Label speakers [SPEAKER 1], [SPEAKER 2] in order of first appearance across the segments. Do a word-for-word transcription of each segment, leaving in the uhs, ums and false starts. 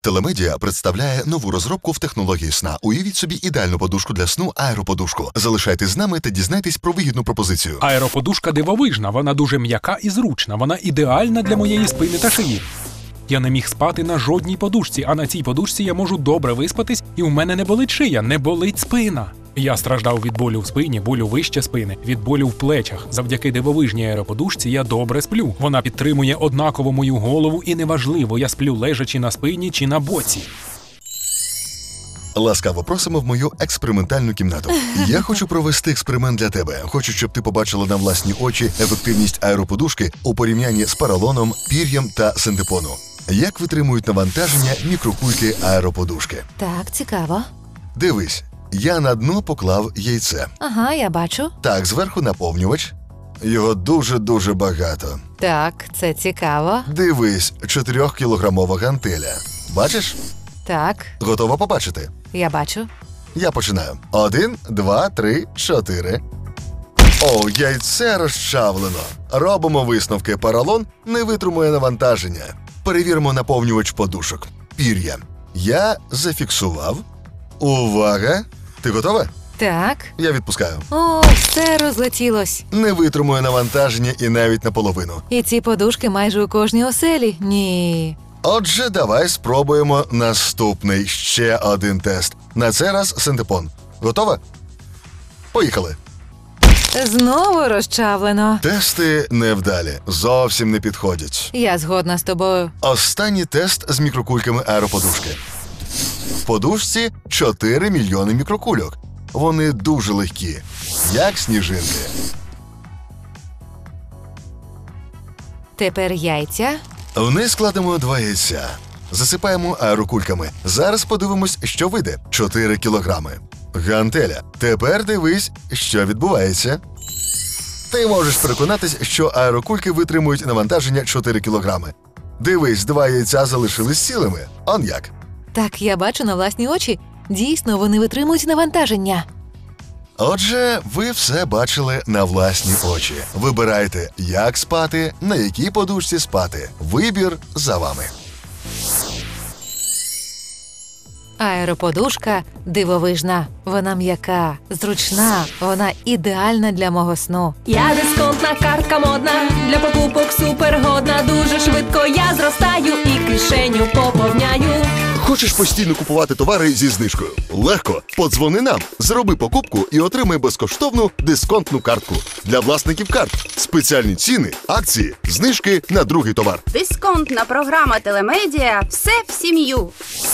[SPEAKER 1] Телемедіа представляє нову розробку в технології сна. Уявіть собі ідеальну подушку для сну аероподушку. Залишайтесь з нами та дізнайтесь про вигідну пропозицію.
[SPEAKER 2] Аероподушка дивовижна, вона дуже м'яка і зручна, вона ідеальна для моєї спини та шиї. Я не міг спати на жодній подушці, а на цій подушці я можу добре виспатись, і у мене не болить шия, не болить спина. Я страждав від болю в спині, болю вище спини, від болю в плечах. Завдяки дивовижній аероподушці я добре сплю. Вона підтримує однаково мою голову і неважливо, я сплю лежачи на спині чи на боці.
[SPEAKER 1] Ласкаво просимо в мою експериментальну кімнату. Я хочу провести експеримент для тебе. Хочу, щоб ти побачила на власні очі ефективність аероподушки у порівнянні з поролоном, пір'ям та синтепону. Як витримують навантаження мікрокульки аероподушки.
[SPEAKER 3] Так, цікаво.
[SPEAKER 1] Дивись, я на дно поклав яйце.
[SPEAKER 3] Ага, я бачу.
[SPEAKER 1] Так, зверху наповнювач. Його дуже-дуже багато.
[SPEAKER 3] Так, це цікаво.
[SPEAKER 1] Дивись, чотирьохкілограмова гантеля. Бачиш?
[SPEAKER 3] Так,
[SPEAKER 1] Готова побачити?
[SPEAKER 3] я бачу.
[SPEAKER 1] Я починаю. Один, два, три, чотири. О, яйце розчавлено. Робимо висновки. Поролон не витримує навантаження. Перевіримо наповнювач подушок. Пір'я. Я зафіксував. Увага! Ти готова?
[SPEAKER 3] Так.
[SPEAKER 1] Я відпускаю.
[SPEAKER 3] О, все розлетілось.
[SPEAKER 1] Не витримує навантаження і навіть наполовину.
[SPEAKER 3] І ці подушки майже у кожній оселі? Ні.
[SPEAKER 1] Отже, давай спробуємо наступний, ще один тест. На цей раз синтепон. Готова? Поїхали.
[SPEAKER 3] Знову розчавлено.
[SPEAKER 1] Тести невдалі. Зовсім не підходять.
[SPEAKER 3] Я згодна з тобою.
[SPEAKER 1] Останній тест з мікрокульками аероподушки. В подушці чотири мільйони мікрокульок. Вони дуже легкі, як сніжинки.
[SPEAKER 3] Тепер яйця.
[SPEAKER 1] Вниз складемо два яйця. Засипаємо аерокульками. Зараз подивимось, що вийде. чотири кілограми. Гантеля. Тепер дивись, що відбувається. Ти можеш переконатись, що аерокульки витримують навантаження чотири кілограми. Дивись, два яйця залишились цілими. Он як.
[SPEAKER 3] Так, я бачу на власні очі. Дійсно, вони витримують навантаження.
[SPEAKER 1] Отже, ви все бачили на власні очі. Вибирайте, як спати, на якій подушці спати. Вибір за вами.
[SPEAKER 3] Аероподушка дивовижна. Вона м'яка, зручна, вона ідеальна для мого сну.
[SPEAKER 4] Я дисконтна картка модна, для покупок супергодна. Дуже швидко я зростаю і кишеню поповняю.
[SPEAKER 1] Хочеш постійно купувати товари зі знижкою? Легко. Подзвони нам, зроби покупку і отримай безкоштовну дисконтну картку. Для власників карт. Спеціальні ціни, акції, знижки на другий товар.
[SPEAKER 5] Дисконтна програма Телемедіа «Все в сім'ю».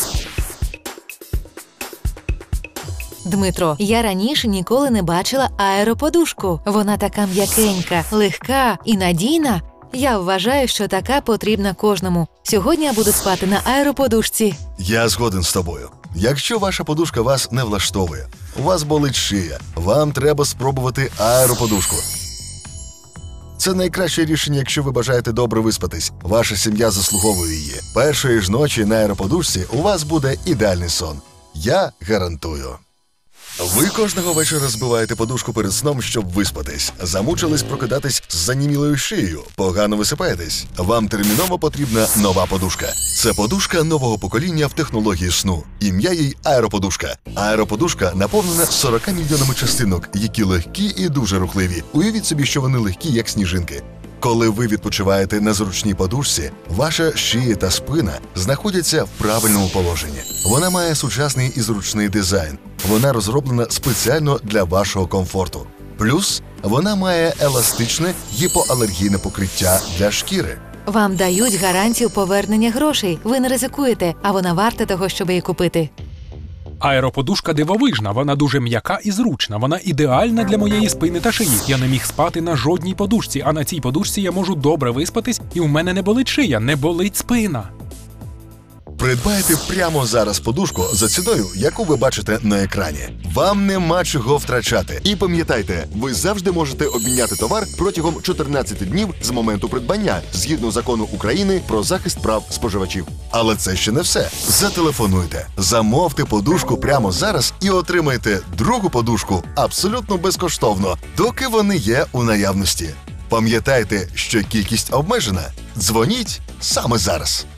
[SPEAKER 3] Дмитро, я раніше ніколи не бачила аероподушку. Вона така м'якенька, легка і надійна. Я вважаю, що така потрібна кожному. Сьогодні я буду спати на аероподушці.
[SPEAKER 1] Я згоден з тобою. Якщо ваша подушка вас не влаштовує, у вас болить шия, вам треба спробувати аероподушку. Це найкраще рішення, якщо ви бажаєте добре виспатись. Ваша сім'я заслуговує її. Першої ж ночі на аероподушці у вас буде ідеальний сон. Я гарантую. Ви кожного вечора збиваєте подушку перед сном, щоб виспатись. Замучились прокидатись з занімілою шиєю. Погано висипаєтесь. Вам терміново потрібна нова подушка. Це подушка нового покоління в технології сну. Ім'я їй аероподушка. Аероподушка наповнена сорока мільйонами частинок, які легкі і дуже рухливі. Уявіть собі, що вони легкі, як сніжинки. Коли ви відпочиваєте на зручній подушці, ваша шия та спина знаходяться в правильному положенні. Вона має сучасний і зручний дизайн. Вона розроблена спеціально для вашого комфорту. Плюс вона має еластичне гіпоалергійне покриття для шкіри.
[SPEAKER 3] Вам дають гарантію повернення грошей. Ви не ризикуєте, а вона варта того, щоб її купити.
[SPEAKER 2] Аероподушка дивовижна, вона дуже м'яка і зручна, вона ідеальна для моєї спини та шиї. Я не міг спати на жодній подушці, а на цій подушці я можу добре виспатись, і у мене не болить шия, не болить спина.
[SPEAKER 1] Придбайте прямо зараз подушку за ціною, яку ви бачите на екрані. Вам нема чого втрачати. І пам'ятайте, ви завжди можете обміняти товар протягом чотирнадцяти днів з моменту придбання, згідно закону України про захист прав споживачів. Але це ще не все. Зателефонуйте, замовте подушку прямо зараз і отримайте другу подушку абсолютно безкоштовно, доки вони є у наявності. Пам'ятайте, що кількість обмежена. Дзвоніть саме зараз.